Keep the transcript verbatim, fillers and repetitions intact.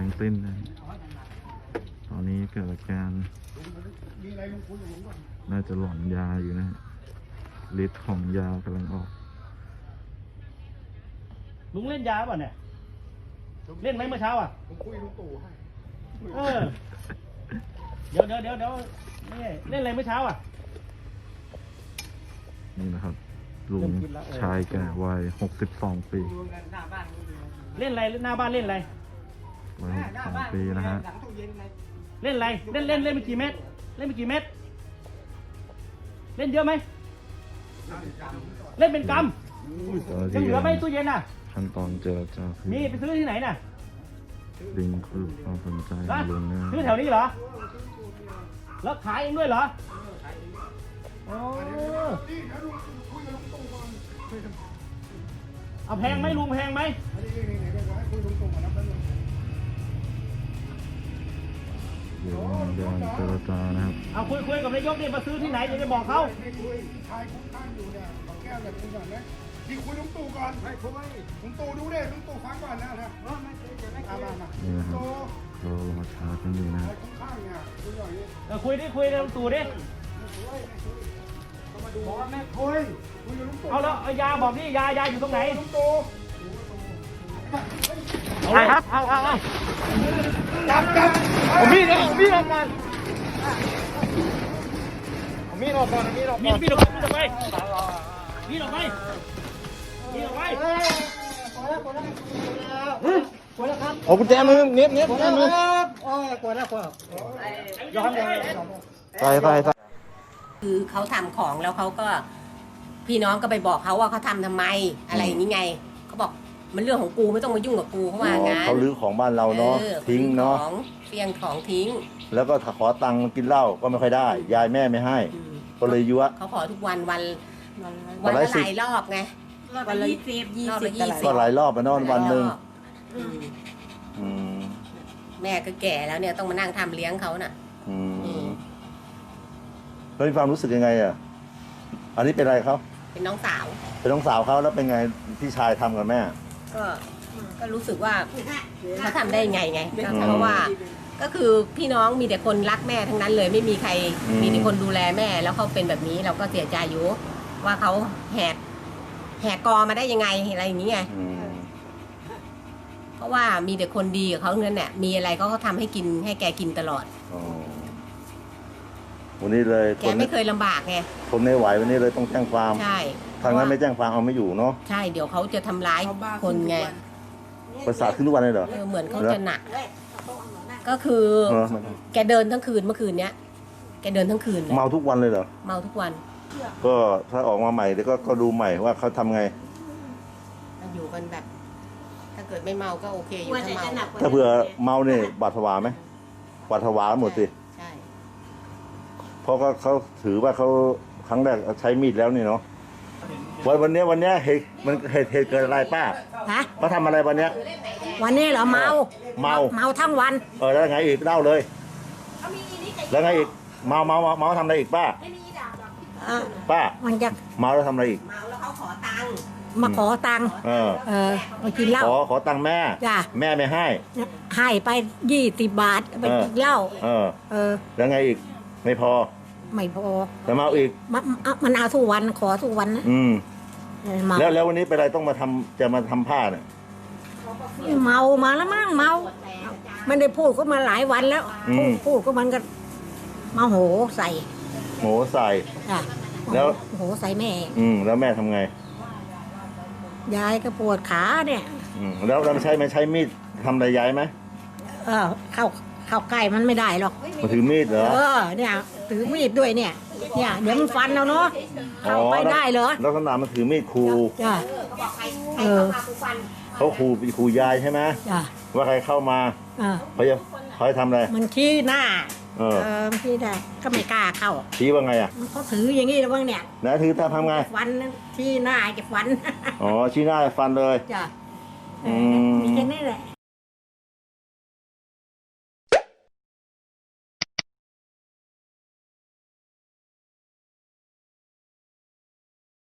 งสิ้นนะตอนนี้เกิดอาการน่าจะหลอนยาอยู่นะฤทธิ์ของยากำลังออกลุงเล่นยาป่ะเนี่ยเล่นไหมเมื่อเช้าอ่ะผมคุยลุงตู่ให้เออเดี๋ยวเดี๋ยวเดี๋ยวเดี๋ยวนี่เล่นอะไรเมื่อเช้าอ่ะนี่นะครับลุงชายแก่วัยหกสิบสองปีเล่นอะไรหน้าบ้านเล่นอะไรวัยหกสิบสองปีนะฮะเล่นอะไรเล่นเล่นเล่นไปกี่เม็ดเล่นไปกี่เม็ดเล่นเยอะไหมเล่นเป็นกำยังเหลือไหมตู้เย็นอ่ะขั้นตอนเจรจาคือมีไปซื้อที่ไหนน่ะดึงคือความสนใจของลุงนะซื้อแถวนี้เหรอแล้วขายเองด้วยเหรอโอ้เอาแพงไหมลุงแพงไหมเดี๋ยวเดี๋ยวเจรจานะครับเอาคุยคุยกับนายกนี่มาซื้อที่ไหนจะได้บอกเขาชายคุ้มข้างอยู่เนี่ยขอแก้วแบบนี้ก่อนนะที่คุยลุงตู่ก่อนให้คุยลุงตู่ดูดิลุงตู่ฟังก่อนนะนะนี่นะครับเรารอช้ากันอยู่นะเราคุยดิคุยกับลุงตู่ดิบอกว่าแม่คุยคุยกับลุงตู่เอาแล้วยาบอกนี่ยายาอยู่ตรงไหนลุงตู่เอาครับเอาเอาเอาจับจับผมมีดเอามีดออกมามีดออกก่อนมีดออกก่อนมีดออกมีดออกไปมีดออกไปมีดออกไปโอ้กุญแจมือเน็บเน็บกุญแจมือโอ้ยกดแล้วกดยอมเลยไปไปไปคือเขาทำของแล้วเขาก็พี่น้องก็ไปบอกเขาว่าเขาทำทำไมอะไรอย่างนี้ไงเขาบอกมันเรื่องของกูไม่ต้องมายุ่งกับกูเขาว่างั้นเขาลื้อของบ้านเราเนาะทิ้งเนาะเฟียงของทิ้งแล้วก็ขอตังค์กินเหล้าก็ไม่ค่อยได้ยายแม่ไม่ให้ก็เลยยั่วเขาขอทุกวันวันวันละหลายรอบไงวันละยี่สิบยี่สิบก็หลายรอบไปนอนวันหนึ่งแม่ก็แก่แล้วเนี่ยต้องมานั่งทำเลี้ยงเขาน่ะแล้วมีความรู้สึกยังไงอ่ะอันนี้เป็นอะไรเขาเป็นน้องสาวเป็นน้องสาวเขาแล้วเป็นไงพี่ชายทำกับแม่ก็ก็รู้สึกว่าเขาทำได้ไงไงเพราะว่าก็คือพี่น้องมีแต่คนรักแม่ทั้งนั้นเลยไม่มีใครมีแต่คนดูแลแม่แล้วเขาเป็นแบบนี้เราก็เสียใจอยู่ว่าเขาแหกแหกกอมาได้ยังไงอะไรอย่างนี้ไงเพราะว่ามีแต่คนดีกับเขาเนั้นเนี่ยมีอะไรก็เขาทำให้กินให้แกกินตลอดวันนี้เลยแกไม่เคยลำบากไงคนไม่ไหววันนี้เลยต้องแจ้งความใช่ทางนั้นไม่แจ้งความเอาไม่อยู่เนาะใช่เดี๋ยวเขาจะทำร้ายคนไงประสาทขึ้นทุกวันเลยเหรอเหมือนเขาจะหนักก็คือแกเดินทั้งคืนเมื่อคืนเนี้ยแกเดินทั้งคืนเมาทุกวันเลยเหรอเมาทุกวันก็ถ้าออกมาใหม่เดี๋ยวก็ก็ดูใหม่ว่าเขาทำไงอยู่กันแบบถ้าเกิดไม่เมาก็โอเคอยู่ถ้าเมาถ้าเผื่อเมาเนี่ยบาดผวาไหมบาดผวาหมดสิใช่เพราะก็เขาถือว่าเขาครั้งแรกใช้มีดแล้วนี่เนาะวันวันนี้วันนี้เหตุมันเหตุเหตุเกิดอะไรป้าฮะเขาทำอะไรวันนี้วันนี้เหรอเมาเมาเมาทั้งวันเออแล้วไงอีกเล่าเลยแล้วไงอีกเมาเมาเมาทำอะไรอีกป้าป้ามันจะเมาแล้วทำอะไรอีกเมาแล้วเขาขอตังค์มาขอตังค์เออเออมากินเหล้าขอขอตังค์แม่จ้ะแม่ไม่ให้ให้ไปยี่สิบบาทไปกินเหล้าเออเออแล้วไงอีกไม่พอไม่พอแล้วเมาอีกมันมันเอาทุกวันขอทุกวันนะอืมแล้วแล้ววันนี้เป็นไรต้องมาทำจะมาทำผ้าเนี่ยเมามาแล้วมั้งเมาไม่ได้พูดก็มาหลายวันแล้วพูดก็มันก็มาโหใส่โหใส่แล้วโหใส่แม่อืมแล้วแม่ทำไงยายก็ปวดขาเนี่ยอืมแล้วเราใช้ไม่ใช้มีดทำอะไรยายไหมเออเข้าเข้าใกล้มันไม่ได้หรอกมาถือมีดเหรอเออเนี่ยถือมีดด้วยเนี่ยเนี่ยเดี๋ยวมันฟันเราเนาะเข้าไปได้เหรอแล้วขนาดมันถือมีดขู่จ้ะเออเขาขู่ขู่ยายใช่ไหมจ้ะว่าใครเข้ามาเขาจะเขาจะทำอะไรมันชี้หน้าเออชี้ได้ก็ไม่กล้าเข้าชี้ว่าไงอ่ะเขาถืออย่างนี้แล้วบ้างเนี่ยนะถือถ้าทำไงฟันชี้หน้าจะฟันอ๋อชี้หน้าฟันเลยจ้ะอืมมีแค่นี้แหละ